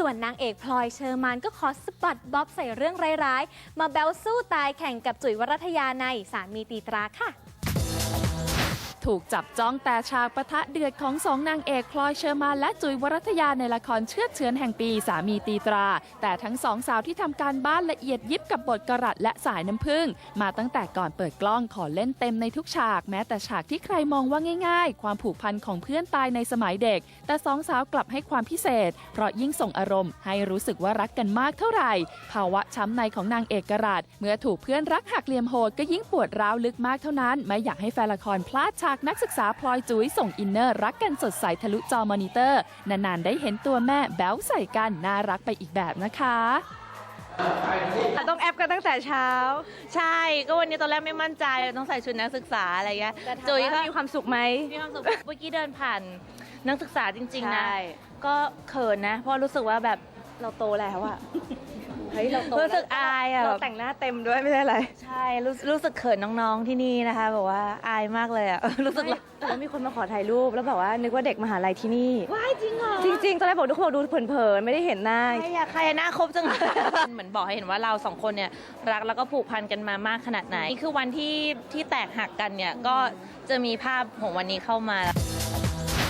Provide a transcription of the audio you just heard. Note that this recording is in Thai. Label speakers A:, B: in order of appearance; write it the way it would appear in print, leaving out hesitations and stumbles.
A: ส่วนนางเอกพลอยเชอร์มานก็ขอสปอตบ๊อบใส่เรื่องร้ายๆมาแบลสู้ตายแข่งกับจุ๋ยวรัตยาในสามีตีตราค่ะ
B: ถูกจับจ้องแต่ฉากปะทะเดือดของสองนางเอกพลอยเชอร์มานและจุ๋ยวรัตยาในละครเชือดเฉือนแห่งปีสามีตีตราแต่ทั้งสองสาวที่ทำการบ้านละเอียดยิบกับบทกรัตและสายน้ำผึ้งมาตั้งแต่ก่อนเปิดกล้องขอเล่นเต็มในทุกฉากแม้แต่ฉากที่ใครมองว่าง่ายๆความผูกพันของเพื่อนตายในสมัยเด็กแต่สองสาวกลับให้ความพิเศษเพราะยิ่งส่งอารมณ์ให้รู้สึกว่ารักกันมากเท่าไหร่ภาวะช้ำในของนางเอกกรัตเมื่อถูกเพื่อนรักหักเหลี่ยมโหดก็ยิ่งปวดร้าวลึกมากเท่านั้นไม่อยากให้แฟนละครพลาดฉากนักศึกษาพลอยจุ๋ยส่งอินเนอร์รักกันสดใสทะลุจอมอนิเตอร์นานๆได้เห็นตัวแม่แบ๊วใส่กันน่ารักไปอีกแบบนะคะ
C: ต้องแอปกันตั้งแต่เช้า
D: ใช่ก็วันนี้ตอนแรกไม่มั่นใจต้องใส่ชุดนักศึกษาอะไรเงี้ย
C: จุ๋ยก็มีความสุขไหม
D: มีความสุขเมื่อกี้เดินผ่านนักศึกษาจริงๆนะก็เขินนะเพราะรู้สึกว่าแบบเราโตแล้วอะ
C: เฮ้ยเราโต
D: รู้สึกอายอะ
C: เราแต่งหน้าเต็มด้วยไม่ใช่อะไร
D: ใช่รู้สึกเขินน้องๆที่นี่นะคะบอกว่าอายมากเลยอะรู้สึก
C: แล้วมีคนมาขอถ่ายรูปแล้วบอกว่านึกว่าเด็กมหาลัยที่นี่
D: ว้ายจริงเหรอ
C: จริงๆตอนแรกบอกทุกคนดูเผินๆไม่ได้เห็นหน้า
D: ใครหน้าครบจังเหมือนบอกให้เห็นว่าเราสองคนเนี่ยรักแล้วก็ผูกพันกันมามากขนาดไหนนี่คือวันที่แตกหักกันเนี่ยก็จะมีภาพของวันนี้เข้ามา